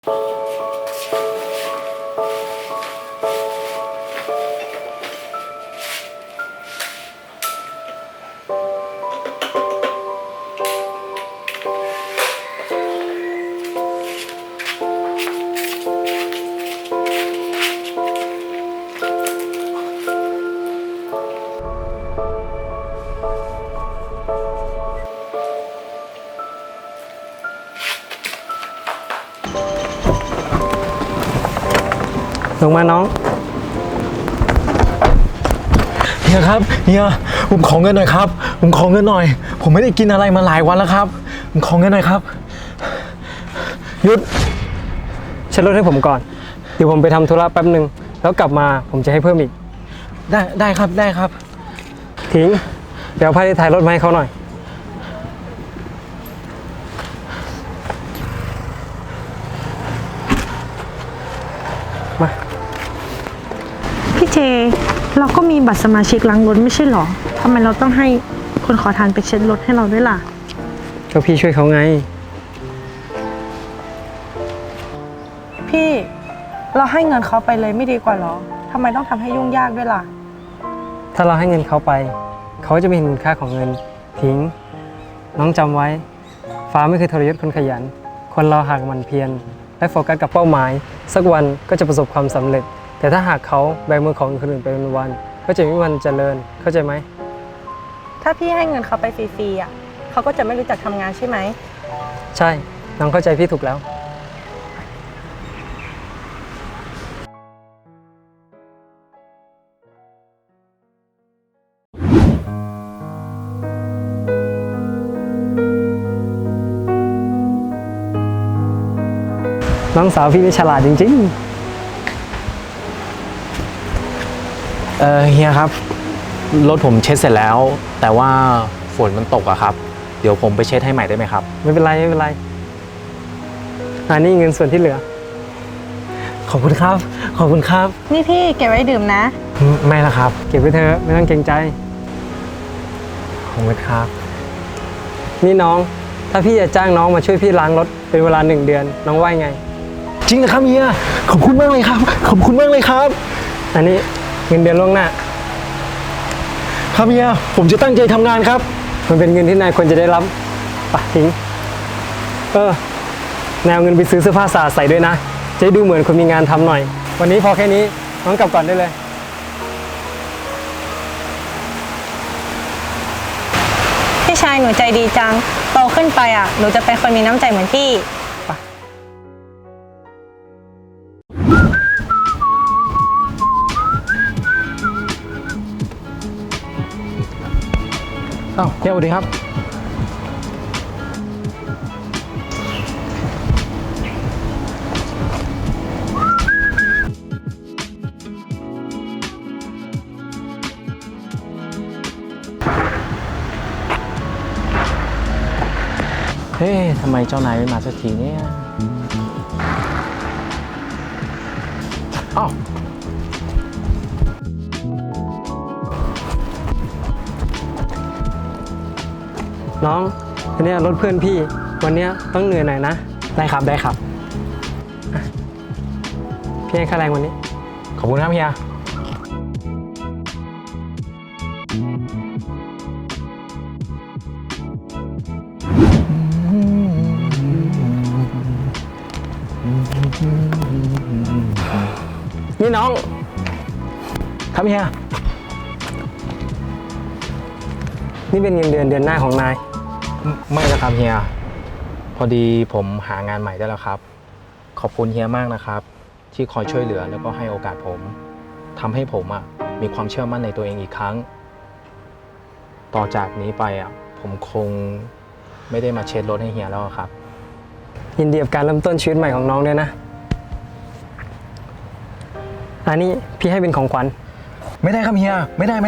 ลงมาน้องเฮียครับเฮียผมขอเงินหน่อยครับผมขอเงินหน่อยผมไม่ได้กินอะไรมาหลายวันแล้วครับผมขอเงินหน่อยครับหยุดเช็ดรถให้ผมก่อนเดี๋ยวผมไปทำธุระแป๊บหนึ่งแล้วกลับมาผมจะให้เพิ่มอีกได้ครับได้ครับทิ้งเดี๋ยวเอาผ้าที่ถ่ายรถมาให้เขาหน่อยมาพี่เจเราก็มีบัตรสมาชิกล้างรถไม่ใช่หรอทำไมเราต้องให้คนขอทานไปเช็ดรถให้เราด้วยล่ะก็พี่ช่วยเขาไงพี่เราให้เงินเขาไปเลยไม่ดีกว่าหรอทำไมต้องทำให้ยุ่งยากด้วยล่ะถ้าเราให้เงินเขาไปเขาจะไม่เห็นคุณค่าของเงินทิ้งน้องจำไว้ฟ้าไม่เคยทรยศคนขยันคนเราหากหมั่นเพียรและโฟกัสกับเป้าหมายสักวันก็จะประสบความสำเร็จแต่ถ้าหากเขาแบมือของคนอื่นไปวันๆก็จะไม่มีวันเจริญเข้าใจไหมถ้าพี่ให้เงินเขาไปฟรีๆเขาก็จะไม่รู้จักทำงานใช่ไหมใช่น้องเข้าใจพี่ถูกแล้วน้องสาวพี่นี่ฉลาดจริงเฮียครับรถผมเช็ดเสร็จแล้วแต่ว่าฝนมันตกอะครับเดี๋ยวผมไปเช็ดให้ใหม่ได้ไหมครับไม่เป็นไรนี่เงินส่วนที่เหลือขอบคุณครับขอบคุณครับนี่พี่เก็บไว้ดื่มนะไม่ละครับเก็บไว้เถอะไม่ต้องเกรงใจขอบคุณครับนี่น้องถ้าพี่จะจ้างน้องมาช่วยพี่ล้างรถเป็นเวลา1 เดือนน้องว่าไงจริงนะครับเฮียขอบคุณมากเลยครับขอบคุณมากเลยครับอันนี้เงินเดือนล่วงหน้าครับเฮียผมจะตั้งใจทำงานครับมันเป็นเงินที่นายควรจะได้รับปะทิ้งแนวเงินไปซื้อเสื้อผ้าสะอาดใส่ด้วยนะจะดูเหมือนคนมีงานทำหน่อยวันนี้พอแค่นี้น้องกลับก่อนได้เลยพี่ชายหนูใจดีจังโตขึ้นไปหนูจะเป็นคนมีน้ำใจเหมือนพี่อ้าวเฮียสวัสดีครับทำไมเจ้านายไม่มาสักทีเนี่ยอ้าวน้องอันนี้รถเพื่อนพี่วันนี้ต้องเหนื่อยหน่อยนะได้ครับพี่ให้ค่าแรงวันนี้ขอบคุณครับเฮียนี่น้องครับเฮียนี่เป็นเงินเดือนหน้าของนายไม่นะครับเฮียพอดีผมหางานใหม่ได้แล้วครับขอบคุณเฮียมากนะครับที่คอยช่วยเหลือแล้วก็ให้โอกาสผมทำให้ผมมีความเชื่อมั่นในตัวเองอีกครั้งต่อจากนี้ไปผมคงไม่ได้มาเช็ดรถให้เฮียแล้วครับยินดีกับการเริ่มต้นชีวิตใหม่ของน้องด้วยนะอันนี้พี่ให้เป็นของขวัญไม่ได้ครับเฮียไม่ได้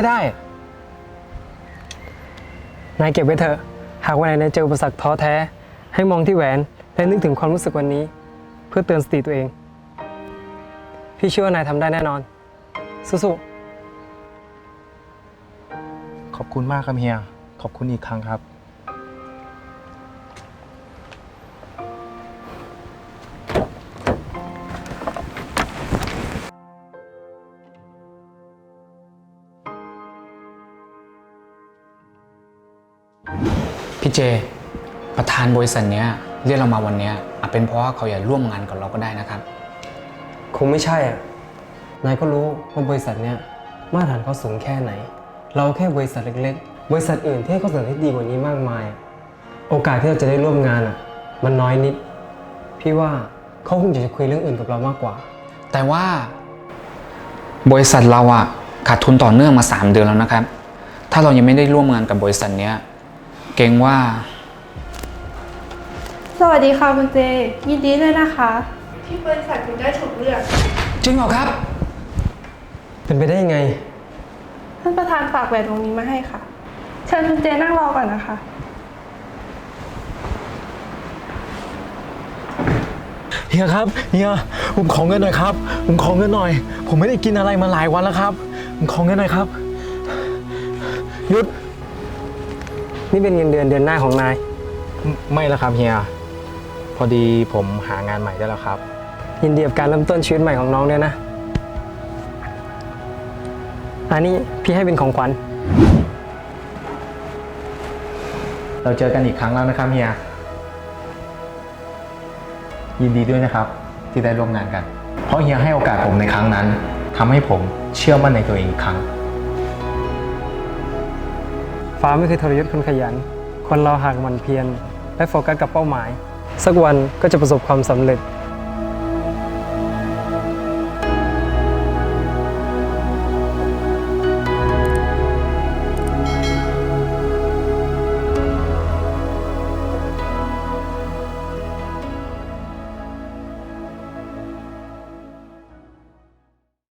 นายเก็บไว้เถอะหากวันไหนนายเจออุปสรรคท้อแท้ให้มองที่แหวนและนึกถึงความรู้สึกวันนี้เพื่อเตือนสติตัวเองพี่เชื่อว่านายทำได้แน่นอนสู้ๆขอบคุณมากครับเฮียขอบคุณอีกครั้งครับพี่เจ ประธานบริษัทเนี้ยเรียกเรามาวันเนี้ยอาจเป็นเพราะว่าเขาอยากร่วมงานกับเราก็ได้นะครับคงไม่ใช่อ่ะ นายก็รู้ว่าบริษัทเนี้ยมาตรฐานเขาสูงแค่ไหน เราแค่บริษัทเล็กๆ บริษัทอื่นที่ให้ข้อเสนอที่ดีกว่านี้มากมายอะโอกาสที่เราจะได้ร่วมงานอ่ะ มันน้อยนิด พี่ว่าเขาคงจะคุยเรื่องอื่นกับเรามากกว่าแต่ว่าบริษัทเราอะขาดทุนต่อเนื่องมา 3 เดือนแล้วนะครับ ถ้าเรายังไม่ได้ร่วมงานกับบริษัทเนี้ยเกรงว่าสวัสดีค่ะคุณเจ ยินดีด้วยนะคะ ที่บริษัทคุณได้ถูกเลือกจริงเหรอครับเป็นไปได้ยังไงท่านประธานฝากแหวนวงนี้มาให้ค่ะ เชิญคุณเจนั่งรอก่อนนะคะเฮียครับเฮียผมขอเงินหน่อยครับผมขอเงินหน่อย ผมไม่ได้กินอะไรมาหลายวันแล้วครับผมขอเงินหน่อยครับหยุดนี่เป็นเงินเดือนหน้าของนายไม่แล้วครับเฮียพอดีผมหางานใหม่ได้แล้วครับยินดีกับการเริ่มต้นชีวิตใหม่ของน้องด้วยนะ อันนี้พี่ให้เป็นของขวัญเราเจอกันอีกครั้งแล้วนะครับเฮียยินดีด้วยนะครับที่ได้ร่วมงานกัน เพราะเฮียให้โอกาสผมในครั้งนั้นทำให้ผมเชื่อมั่นในตัวเองอีกครั้งฟ้าไม่เคยทรยศคนขยัน คนเราหากหมั่นเพียรและโฟกัสกับเป้าหมาย สักวันก็จะประสบความสำเร็จ